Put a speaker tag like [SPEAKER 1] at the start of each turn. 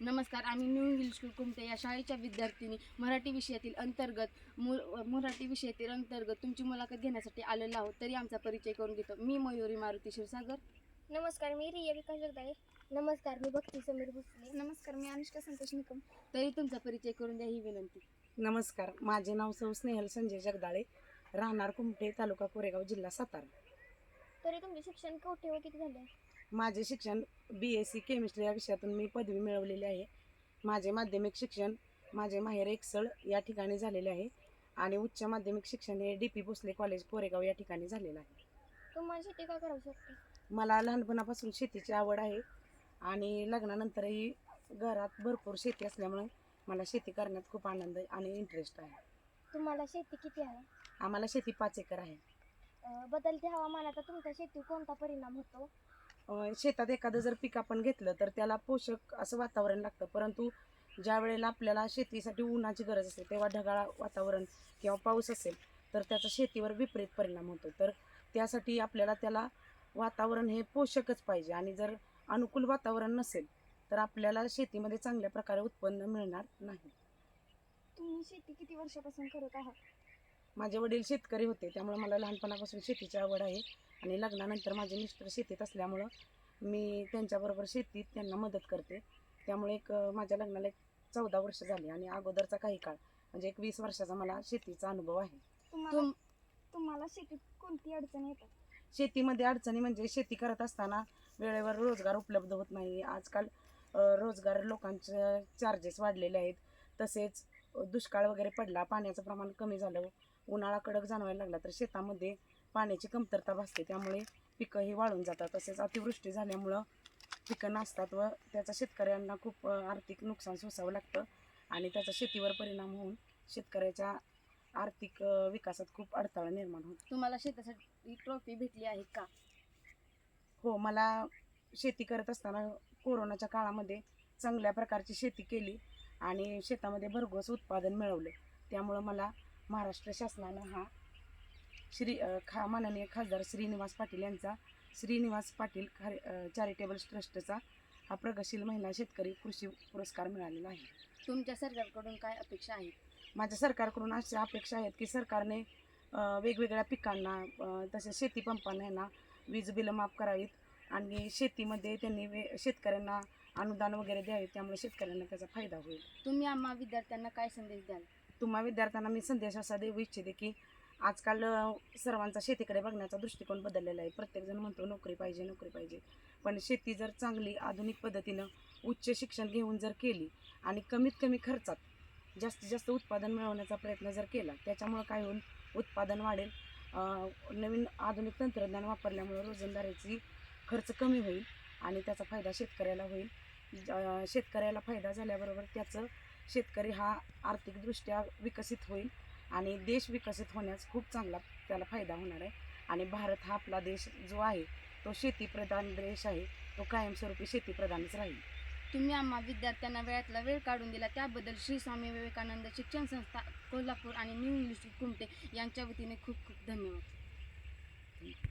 [SPEAKER 1] नमस्कार, आम्ही new English school Kumte या शाळेच्या विद्यार्थिनी मराठी विषयातील अंतर्गत तुमची मुलाखत घेण्यासाठी आलेलो आहोत. तरी आमचा परिचय करून घेतो. मी मयुरी मारुती क्षीरसागर.
[SPEAKER 2] नमस्कार, मी रिया विकास जगदाळे. नमस्कार, मी भक्ती समीर भोसले. नमस्कार, मी अनुष्का संतोष निकम.
[SPEAKER 1] तरी तुमचा परिचय करून द्या ही विनंती.
[SPEAKER 3] नमस्कार, माझे नाव सौ स्नेहल संजय जगदाळे, राहणार कुमटे, तालुका कोरेगाव, जिल्हा सातारा.
[SPEAKER 2] तरी तुमचे शिक्षण कुठे व किती झाले?
[SPEAKER 3] माझे शिक्षण BSc केमिस्ट्री या विषयातून मी पदवी मिळवलेली आहे. माझे माध्यमिक शिक्षण माझे माहेर एकसळ या ठिकाणी झालेले आहे आणि उच्च माध्यमिक शिक्षण हे DP भोसले कॉलेज कोरेगाव या ठिकाणी झालेलं आहे.
[SPEAKER 2] तुम्हाला शेती का करावं शकते?
[SPEAKER 3] मला लहानपणापासून शेतीची आवड आहे आणि लग्नानंतरही घरात भरपूर शेती असल्यामुळे मला शेती करण्यात खूप आनंद आणि इंटरेस्ट आहे.
[SPEAKER 2] तुम्हाला शेती किती आहे?
[SPEAKER 3] आम्हाला शेती 5 एकर आहे.
[SPEAKER 2] बदलत्या हवामानाचा तुमच्या शेतीवर कोणता परिणाम होतो?
[SPEAKER 3] शेतात एखादं जर पीक आपण घेतलं तर त्याला पोषक असं वातावरण लागतं, परंतु ज्या वेळेला आपल्याला शेतीसाठी उन्हाची गरज असते तेव्हा ढगाळ वातावरण किंवा पाऊस असेल तर त्याचा शेतीवर विपरीत परिणाम होतो. तर त्यासाठी आपल्याला त्याला वातावरण हे पोषकच पाहिजे आणि जर अनुकूल वातावरण नसेल तर आपल्याला शेतीमध्ये चांगल्या प्रकारे उत्पन्न मिळणार नाही.
[SPEAKER 2] तुम्ही शेती किती वर्षापासून करत आहात?
[SPEAKER 3] माझे वडील शेतकरी होते, त्यामुळे मला लहानपणापासून शेतीची आवड आहे आणि लग्नानंतर माझे मिस्टर शेतीत असल्यामुळं मी त्यांच्याबरोबर शेतीत त्यांना मदत करते. त्यामुळे माझ्या लग्नाला 14 वर्ष झाली आणि अगोदरचा काही काळ म्हणजे 20 वर्षाचा मला शेतीचा अनुभव आहे.
[SPEAKER 2] तुम्हाला शेतीत कोणती अडचण येतात?
[SPEAKER 3] शेतीमध्ये अडचणी म्हणजे शेती करत असताना वेळेवर रोजगार उपलब्ध होत नाही. आजकाल रोजगार लोकांचे चार्जेस वाढलेले आहेत. तसेच दुष्काळ वगैरे पडला, पाण्याचं प्रमाण कमी झालं, उन्हाळा कडक जाणवायला लागला तर शेतामध्ये पाण्याची कमतरता भासते, त्यामुळे पिकंही वाळून जातात. तसेच अतिवृष्टी झाल्यामुळं पिकं नासतात व त्याचा शेतकऱ्यांना खूप आर्थिक नुकसान सोसावं लागतं आणि त्याचा शेतीवर परिणाम होऊन शेतकऱ्याच्या आर्थिक विकासात खूप अडथळा निर्माण होतो.
[SPEAKER 1] तुम्हाला शेतासाठी ट्रॉफी भेटली आहे का?
[SPEAKER 3] हो, मला शेती करत असताना कोरोनाच्या काळामध्ये चांगल्या प्रकारची शेती केली आणि शेतामध्ये भरघोस उत्पादन मिळवलं. त्यामुळं मला महाराष्ट्र शासनानं माननीय खासदार श्रीनिवास पाटील यांचा श्रीनिवास पाटील चॅरिटेबल ट्रस्टचा हा प्रगतशील महिला शेतकरी कृषी पुरस्कार मिळालेला आहे.
[SPEAKER 1] तुमच्या सरकारकडून काय अपेक्षा आहेत?
[SPEAKER 3] माझ्या सरकारकडून अशा अपेक्षा आहेत की सरकारने वेगवेगळ्या पिकांना तसेच शेतीपंपांना यांना वीज बिलं माफ करावीत आणि शेतीमध्ये त्यांनी शेतकऱ्यांना अनुदान वगैरे द्यावे, त्यामुळे शेतकऱ्यांना त्याचा फायदा होईल.
[SPEAKER 1] तुम्ही आम्हा विद्यार्थ्यांना काय संदेश द्याल?
[SPEAKER 3] तुम्हा विद्यार्थ्यांना मी संदेश असा देऊ इच्छिते की आजकाल सर्वांचा शेतीकडे बघण्याचा दृष्टिकोन बदललेला आहे. प्रत्येकजण म्हणतो नोकरी पाहिजे नोकरी पाहिजे, पण शेती जर चांगली आधुनिक पद्धतीनं उच्च शिक्षण घेऊन जर केली आणि कमीत कमी खर्चात जास्तीत जास्त उत्पादन मिळवण्याचा प्रयत्न जर केला, त्याच्यामुळं काय होईल, उत्पादन वाढेल, नवीन आधुनिक तंत्रज्ञान वापरल्यामुळं रोजंदारीची खर्च कमी होईल आणि त्याचा फायदा शेतकऱ्याला होईल. शेतकऱ्याला फायदा झाल्याबरोबर शेतकरी हा आर्थिकदृष्ट्या विकसित होईल आणि देश विकसित होण्यास खूप चांगला त्याला फायदा होणार आहे. आणि भारत हा आपला देश जो आहे तो शेतीप्रधान देश आहे, तो कायमस्वरूपी शेतीप्रधानच राहील.
[SPEAKER 1] तुम्ही आम्हा विद्यार्थ्यांना वेळातला वेळ काढून दिला त्याबद्दल श्री स्वामी विवेकानंद शिक्षण संस्था कोल्हापूर आणि न्यू इंग्लिश स्कूल कुमटे यांच्या वतीने खूप खूप धन्यवाद.